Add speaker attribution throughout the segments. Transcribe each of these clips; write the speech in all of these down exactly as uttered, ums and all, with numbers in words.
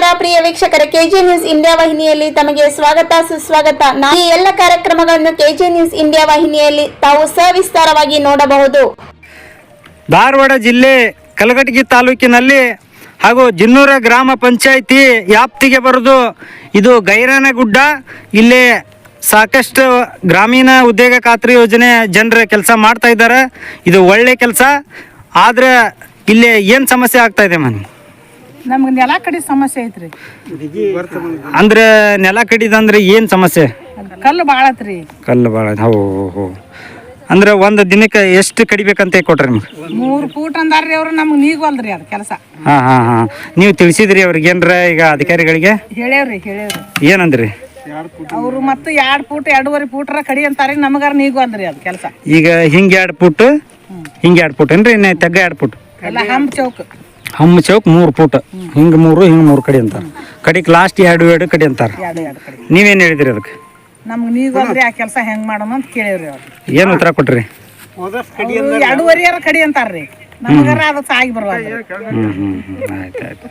Speaker 1: ನಮಸ್ಕಾರ ಪ್ರಿಯ ವೀಕ್ಷಕರೇ, K J news India ವಾಹಿನಿಯಲ್ಲಿ ತಮಗೆ ಸ್ವಾಗತ ಸುಸ್ವಾಗತ. ಈ ಎಲ್ಲ ಕಾರ್ಯಕ್ರಮಗಳನ್ನು ಕೆಜೆ ನ್ಯೂಸ್ ಇಂಡಿಯಾ ವಾಹಿನಿಯಲ್ಲಿ ತಾವು ಸವಿಸ್ತಾರವಾಗಿ ನೋಡಬಹುದು.
Speaker 2: ಧಾರವಾಡ ಜಿಲ್ಲೆ ಕಲಘಟಗಿ ತಾಲೂಕಿನಲ್ಲಿ ಹಾಗೂ ಜಿನ್ನೂರ ಗ್ರಾಮ ಪಂಚಾಯಿತಿ ವ್ಯಾಪ್ತಿಗೆ ಬರೋದು ಇದು ಗೈರಾನಗುಡ್ಡ. ಇಲ್ಲಿ ಸಾಕಷ್ಟು ಗ್ರಾಮೀಣ ಉದ್ಯೋಗ ಖಾತ್ರಿ ಯೋಜನೆ ಜನರ ಕೆಲಸ ಮಾಡ್ತಾ ಇದ್ದಾರೆ. ಇದು ಒಳ್ಳೆ ಕೆಲಸ. ಆದರೆ ಇಲ್ಲಿ ಏನು ಸಮಸ್ಯೆ ಆಗ್ತಾ ಇದೆ ಮನೆ?
Speaker 3: ನಮ್ಗೆ ನೆಲ ಕಡಿ ಸಮಸ್ಯೆ ಐತ್ರಿ.
Speaker 2: ಅಂದ್ರೆ ನೆಲ ಕಡಿದಂದ್ರೆ ಏನು ಸಮಸ್ಯೆ?
Speaker 3: ಕಲ್ಲು ಭಾಳ ಐತ್ರಿ.
Speaker 2: ಕಲ್ಲು ಭಾಳ. ಹೋ ಹೋ ಅಂದ್ರೆ ಒಂದು ದಿನಕ್ಕೆ ಎಷ್ಟು ಕಡಿಬೇಕಂತ ಕೊಟ್ರಿ ನಿಮ್ಗೆ?
Speaker 3: ಮೂರು ಫೂಟ್ ಅಂದಾರ್ರಿ ಅವ್ರು. ನಮ್ಗೆ ನೀಗವಲ್ರಿ ಅದು ಕೆಲಸ.
Speaker 2: ಹಾಂ ಹಾಂ ಹಾಂ ನೀವು ತಿಳಿಸಿದ್ರಿ ಅವ್ರಿಗೆ ಏನ್ರ ಈಗ ಅಧಿಕಾರಿಗಳಿಗೆ?
Speaker 3: ಹೇಳೇವ್ರಿ ಹೇಳೇವ್ರಿ.
Speaker 2: ಏನಂದ್ರಿ
Speaker 3: ಅವರು ಮತ್ತು ಎರಡು ಫೂಟ್ ಎರಡೂವರೆ ಫೂಟ್ರ ಕಡಿ ಅಂತಾರೆ. ನಮಗಾರ ನೀಗವಲ್ರಿ ಅದು ಕೆಲಸ.
Speaker 2: ಈಗ ಹಿಂಗೆ ಎರಡು ಫುಟ್ ಹಿಂಗೆ ಎರಡು ಫುಟ್ ಏನ್ರಿ? ಇನ್ನು ತೆಗ್ಗ ಎರಡು ಫುಟ್
Speaker 3: ಎಲ್ಲ ಹಂಪ್ ಚೌಕ್
Speaker 2: ಹಮ್ಮ ಚೌಕ್ ಮೂರು ಫುಟ್ ಹಿಂಗೆ ಮೂರು ಹಿಂಗೆ ಮೂರು ಕಡೆ ಅಂತಾರೆ. ಕಡೆಗೆ ಲಾಸ್ಟ್ ಎರಡು ಎರಡು ಕಡೆ ಅಂತಾರೆ.
Speaker 3: ಎರಡು ಎರಡು ಕಡೆ.
Speaker 2: ನೀವೇನು ಹೇಳಿದ್ರಿ ಅದಕ್ಕೆ?
Speaker 3: ನಮ್ಗೆ ನೀಗವಲ್ರಿ ಆ ಕೆಲಸ ಹೆಂಗೆ ಮಾಡೋಣ ಅಂತ ಕೇಳೇವ್ರಿ ಅವ್ರು.
Speaker 2: ಏನು ಉತ್ತರ ಕೊಟ್ರಿ?
Speaker 3: ಎರಡೂವರೆಯಾರ ಕಡಿ ಅಂತಾರ್ರಿ. ನಮಗಾರ ಅದು ಸಾಗಿ ಬರುವಾಗ.
Speaker 2: ಹ್ಞೂ ಹ್ಞೂ ಹ್ಞೂ ಆಯ್ತು ಆಯ್ತು.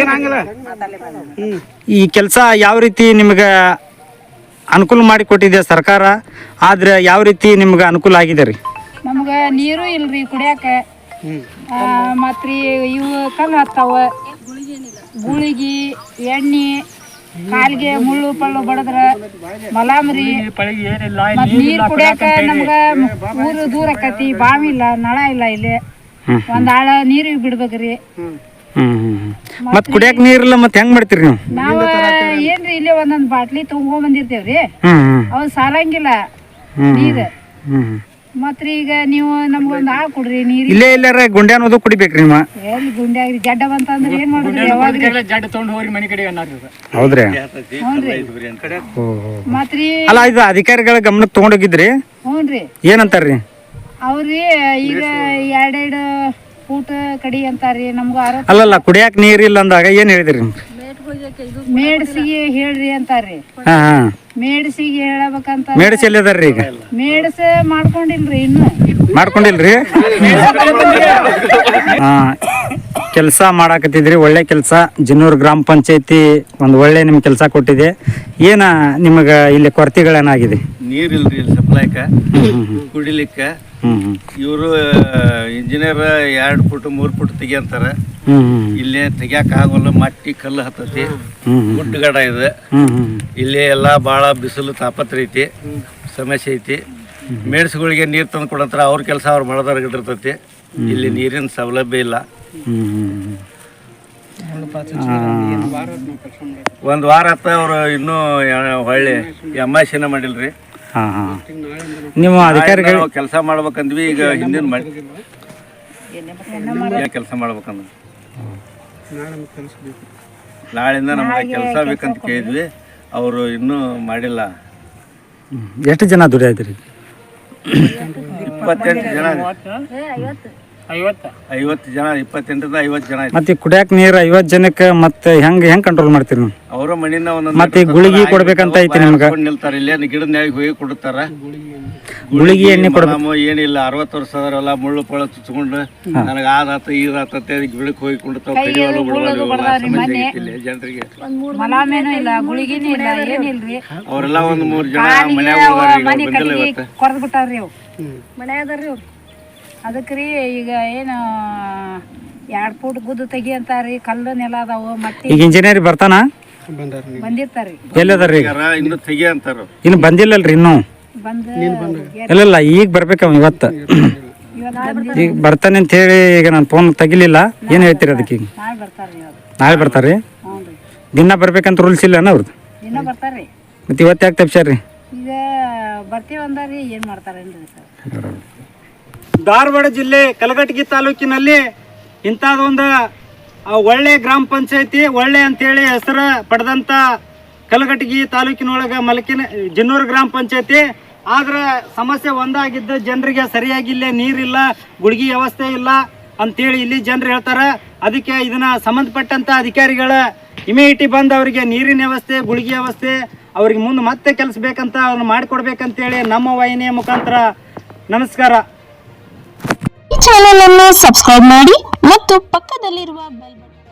Speaker 2: ಈ ಕೆಲಸ ಯಾವ ರೀತಿ ನಿಮ್ಗೆ ಅನುಕೂಲ ಮಾಡಿ ಕೊಟ್ಟಿದೆ ಸರ್ಕಾರ? ಆದ್ರೆ ಯಾವ ರೀತಿ ನಿಮ್ಗೆ ಅನುಕೂಲ ಆಗಿದೆ ರೀ?
Speaker 4: ನಮ್ಗೆ ನೀರು ಇಲ್ರಿ ಕುಡಿಯಾಕ. ಮತ್ರಿ ಇವು ಕಲ್ಲು ಹತ್ತಾವ, ಗುಳಿಗಿ ಎಣ್ಣೆ ಕಾಲಿಗೆ ಮುಳ್ಳು ಪಳ್ಳು ಬಡದ್ರ ಮಲಾಮರಿ. ಮತ್ ನೀರು ಕುಡಿಯಾಕ ನಮ್ಗ ಊರು ದೂರ ಆಕತಿ. ಬಾವಿ ಇಲ್ಲ, ನಳ ಇಲ್ಲ. ಇಲ್ಲಿ ಒಂದ್ ಆಳ ನೀರಿಗೆ ಬಿಡ್ಬೇಕ್ರಿ.
Speaker 2: ಮತ್ ಕುಡಿಯಾಕ ನೀರಿಲ್ಲ, ಮತ್ತೆ ಹೆಂಗ್ ಮಾಡ್ತೀರಿ ನೀವು?
Speaker 4: ನಾವ ಏನ್ರಿ ಇಲ್ಲೇ ಒಂದೊಂದ್ ಬಾಟ್ಲಿ ತಗೊಂಡ್ ಬಂದಿರ್ತೇವ್ರಿ. ಅವ್ ಸಾಲಂಗಿಲ್ಲ ನೀರ್. ಮತ್ರಿ ಈಗ ನೀವು ನಮ್ಗೊಂದ್ ಆಳ್ ಕೊಡ್ರಿ ನೀರ್.
Speaker 2: ಇಲ್ಲೇ ಇಲ್ಲಾರ ಗುಂಡೆ ಅನ್ನೋದು ಕುಡಿಬೇಕ್ರಿ ನಿಮ್ಮ?
Speaker 4: ಎಲ್ಲಿ ಗುಂಡ್ಯಾಗ್ರಿ ಜಡ್ಡ ಬಂತಂದ್ರ ಏನ್ ಮಾಡುದ್ರಿ? ಯಾವಾಗ್ರಿ
Speaker 2: ಹೌದ್ರಿ?
Speaker 4: ಮತ್ರಿ
Speaker 2: ಅಲ್ಲ, ಇದು ಅಧಿಕಾರಿಗಳ ಗಮನಕ್ಕೆ ತಗೊಂಡೋಗಿದ್ರಿ?
Speaker 4: ಹ್ಞೂನ್ರಿ.
Speaker 2: ಏನಂತಾರ್ರಿ
Speaker 4: ಅವ್ರಿ ಈಗ ಎರಡೆರಡು ಫೂಟ್ ಕಡಿ ಅಂತಾರ್ರಿ. ನಮ್ಗ
Speaker 2: ಅಲ್ಲಲ್ಲ, ಕುಡಿಯಾಕ ನೀರಿಲ್ಲ ಅಂದಾಗ ಏನ್ ಹೇಳಿದ್ರಿ?
Speaker 4: ಮೇಡ್ಸಿಗೆ ಹೇಳ್ರಿ ಅಂತಾರ್ರಿ.
Speaker 2: ಹಾ ಹಾ
Speaker 4: ಮೇಡ್ಸಿಗೆ ಹೇಳಬೇಕಂತ.
Speaker 2: ಮೇಡಸ್ ಎಲ್ಲಿದಾರ್ರಿ ಈಗ?
Speaker 4: ಮೇಡ್ಸ ಮಾಡ್ಕೊಂಡಿಲ್ರಿ ಇನ್ನು.
Speaker 2: ಮಾಡ್ಕೊಂಡಿಲ್ರಿ? ಹಾ, ಕೆಲಸ ಮಾಡಾಕತ್ತಿದ್ರಿ. ಒಳ್ಳೆ ಕೆಲಸ. ಜಿನ್ನೂರು ಗ್ರಾಮ ಪಂಚಾಯತಿ ಒಂದು ಒಳ್ಳೆ ನಿಮ್ಗೆ ಕೆಲಸ ಕೊಟ್ಟಿದೆ. ಏನ ನಿಮಗೆ ಇಲ್ಲಿ ಕೊರತೆಗಳೇನಾಗಿದೆ?
Speaker 5: ನೀರಿಲ್ರಿ ಇಲ್ಲಿ ಸಪ್ಲೈಕ, ಕುಡಿಲಿಕ್ಕೆ. ಇವರು ಇಂಜಿನಿಯರ್ ಎರಡು ಫುಟ್ ಮೂರು ಫುಟ್ ತೆಗಿಯಂತಾರ. ಇಲ್ಲೇ ತೆಗಿಯಾಕ ಆಗೋಲ್ಲ, ಮಟ್ಟಿ ಕಲ್ಲು ಹತ್ತತಿ, ಗುಡ್ಡಗಡ ಇದೆ. ಇಲ್ಲಿ ಎಲ್ಲಾ ಭಾಳ ಬಿಸಿಲು ತಾಪತ್ರ ಐತಿ, ಸಮಸ್ಯೆ ಐತಿ. ಮೇಡ್ಸ್ಗಳಿಗೆ ನೀರು ತಂದು ಕೊಡಂತಾರ. ಅವ್ರ ಕೆಲಸ ಅವ್ರು ಮಾಡೋದಾಗಿರ್ತೈತಿ. ಇಲ್ಲಿ ನೀರಿನ ಸೌಲಭ್ಯ ಇಲ್ಲ. ಒಂದು ವಾರ ಆತ. ಅವರು ಇನ್ನೂ ಹೊಳ್ಳಿ ಎಮ್ ಐ ಸಿನ ಮಾಡಿಲ್ರಿ.
Speaker 2: ಹಾ ಹಾ ನೀವು ಅಧಿಕಾರಿಗಳು
Speaker 5: ಕೆಲಸ ಮಾಡ್ಬೇಕಂದ್ವಿ. ಈಗ ಹಿಂದಿನ ಮಾಡಿ ಕೆಲಸ ಮಾಡ್ಬೇಕಂದ್ವಿ. ನಾಳಿಂದ ನಮ್ಗೆ ಕೆಲಸ ಬೇಕಂತ ಕೇಳಿದ್ವಿ. ಅವರು ಇನ್ನೂ ಮಾಡಿಲ್ಲ.
Speaker 2: ಎಷ್ಟು ಜನ ದುಡಿಯಾದ್ರಿ?
Speaker 5: ಇಪ್ಪತ್ತೆಂಟು ಜನ ಐವತ್ತು ಜನ ಇಪ್ಪತ್ತೆಂಟರಿಂದ ಐವತ್ತು ಜನ.
Speaker 2: ಮತ್ತೆ ಕುಡಿಯಾಕ ನೀರು ಐವತ್ತು ಜನಕ್ಕೆ ಮತ್ತೆ ಹೆಂಗ್ ಹೆಂಗ್ ಕಂಟ್ರೋಲ್ ಮಾಡ್ತೀರಿ ನೀವು?
Speaker 5: ಅವರ ಮನಿನ ಒಂದೊಂದು
Speaker 2: ಮತ್ತೆ ಗುಳಿಗೆ ಕೊಡ್ಬೇಕಂತ ಐತಿ ನಿಮ್ಗೆ?
Speaker 5: ನಿಲ್ತಾರ ಇಲ್ಲೇ ಗಿಡದ ನ್ಯಾಗ ಹೋಗಿ ಕೊಡ್ತಾರ.
Speaker 2: ಗುಳಿಗೆ ಎಣ್ಣೆ ಕೊಡ್ಬೇಕು.
Speaker 5: ಏನಿಲ್ಲ, ಅರವತ್ತು ವರ್ಷ ಅದರಲ್ಲ ಮುಳ್ಳು ಪಳ್ಳ ಚುಚ್ಕೊಂಡು ನನಗೆ ಆದಾತ ಈದಾತ ಗಿಡಕ್ಕೆ ಹೋಗಿ ಕೊಡ್ತಾವ. ಕಡಿವಾಲು ಬಿಡವಾಲು ಜನರಿಗೆ
Speaker 4: ಮಲಾಮೇನೂ ಇಲ್ಲ, ಗುಳಿಗಿನೂ ಇಲ್ಲ, ಏನಿಲ್ರಿ.
Speaker 5: ಅವರೆಲ್ಲ ಒಂದ್ ಮೂರ್ ಜನ ಮನ್ಯಾಗ
Speaker 4: ಕೊರ್ದ್ ಬಿಟ್ಟಾರ್ರಿ. ಅವು ಮನೆ ಅದಾರ್ರಿ ಅವ್ರು. ಅದಕ್ರಿ ಈಗ ಏನು ಎರಡ್ ಫೂಟ್ ಗುದ್ದು ತೆಗಿ ಅಂತಾರ್ರಿ. ಕಲ್ಲು ನೆಲ ಅದಾವು. ಮತ್ತೆ
Speaker 2: ಈಗ ಇಂಜಿನಿಯರ್ ಬರ್ತಾನ?
Speaker 4: ಬಂದಿರ್ತಾರ್ರಿ.
Speaker 2: ಎಲ್ಲದಾರ್ರಿ?
Speaker 5: ಇನ್ನು ತೆಗಿ ಅಂತಾರ.
Speaker 2: ಇನ್ನು ಬಂದಿಲ್ಲಲ್ರಿ ಇನ್ನು?
Speaker 4: ಬಂದ
Speaker 2: ಇಲ್ಲ, ಈಗ ಬರ್ಬೇಕ ಇವತ್ತು. ಈಗ ಬರ್ತಾನೆ ಅಂತ ಹೇಳಿ ಈಗ ನಾನು ಫೋನ್ ತೆಗಿಲಿಲ್ಲ. ಏನ್ ಹೇಳ್ತೀರಿ ಅದಕ್ಕೆ? ಈಗ
Speaker 4: ನಾಳೆ ಬರ್ತಾರ್ರಿ.
Speaker 2: ನಾಳೆ ಬರ್ತಾರ್ರಿ? ದಿನ ಬರ್ಬೇಕಂತ ರೂಲ್ಸ್ ಇಲ್ಲ ಅವ್ರದ್ದು?
Speaker 4: ದಿನ ಬರ್ತಾರ್ರಿ.
Speaker 2: ಮತ್ತೆ ಇವತ್ತು ಯಾಕೆ ತಪ್ಸಾರ್ರಿ?
Speaker 4: ಈಗ ಬರ್ತೀವಿ ಅಂದಾರ್ರಿ. ಏನ್ ಮಾಡ್ತಾರೇನ್ರಿ ಸರ್?
Speaker 2: ಧಾರವಾಡ ಜಿಲ್ಲೆ ಕಲಘಟಗಿ ತಾಲೂಕಿನಲ್ಲಿ ಇಂಥದ್ದೊಂದು ಒಳ್ಳೆ ಗ್ರಾಮ ಪಂಚಾಯತಿ, ಒಳ್ಳೆ ಅಂತೇಳಿ ಹೆಸರು ಪಡೆದಂಥ ಕಲಘಟಗಿ ತಾಲೂಕಿನೊಳಗೆ ಮಲಕಿನ ಜಿನ್ನೂರು ಗ್ರಾಮ ಪಂಚಾಯತಿ. ಆದ್ರೆ ಸಮಸ್ಯೆ ಒಂದಾಗಿದ್ದು ಜನರಿಗೆ ಸರಿಯಾಗಿ ಇಲ್ಲೇ ನೀರಿಲ್ಲ, ಗುಳಿಗೆ ವ್ಯವಸ್ಥೆ ಇಲ್ಲ ಅಂತೇಳಿ ಇಲ್ಲಿ ಜನರು ಹೇಳ್ತಾರೆ. ಅದಕ್ಕೆ ಇದನ್ನ ಸಂಬಂಧಪಟ್ಟಂಥ ಅಧಿಕಾರಿಗಳ ಇಮಿಡಿಯೇಟಿ ಬಂದು ಅವರಿಗೆ ನೀರಿನ ವ್ಯವಸ್ಥೆ, ಗುಳಿಗೆ ವ್ಯವಸ್ಥೆ ಅವ್ರಿಗೆ ಮುಂದೆ ಮತ್ತೆ ಕೆಲಸ ಬೇಕಂತ ಅವ್ರನ್ನ ಮಾಡಿಕೊಡ್ಬೇಕಂತೇಳಿ ನಮ್ಮ ವಾಹಿನಿಯ ಮುಖಾಂತರ ನಮಸ್ಕಾರ.
Speaker 1: ಈ ಚಾನೆಲ್ ಅನ್ನು ಸಬ್ಸ್ಕ್ರೈಬ್ ಮಾಡಿ ಮತ್ತು ಪಕ್ಕದಲ್ಲಿರುವ ಬೆಲ್ ಬಟನ್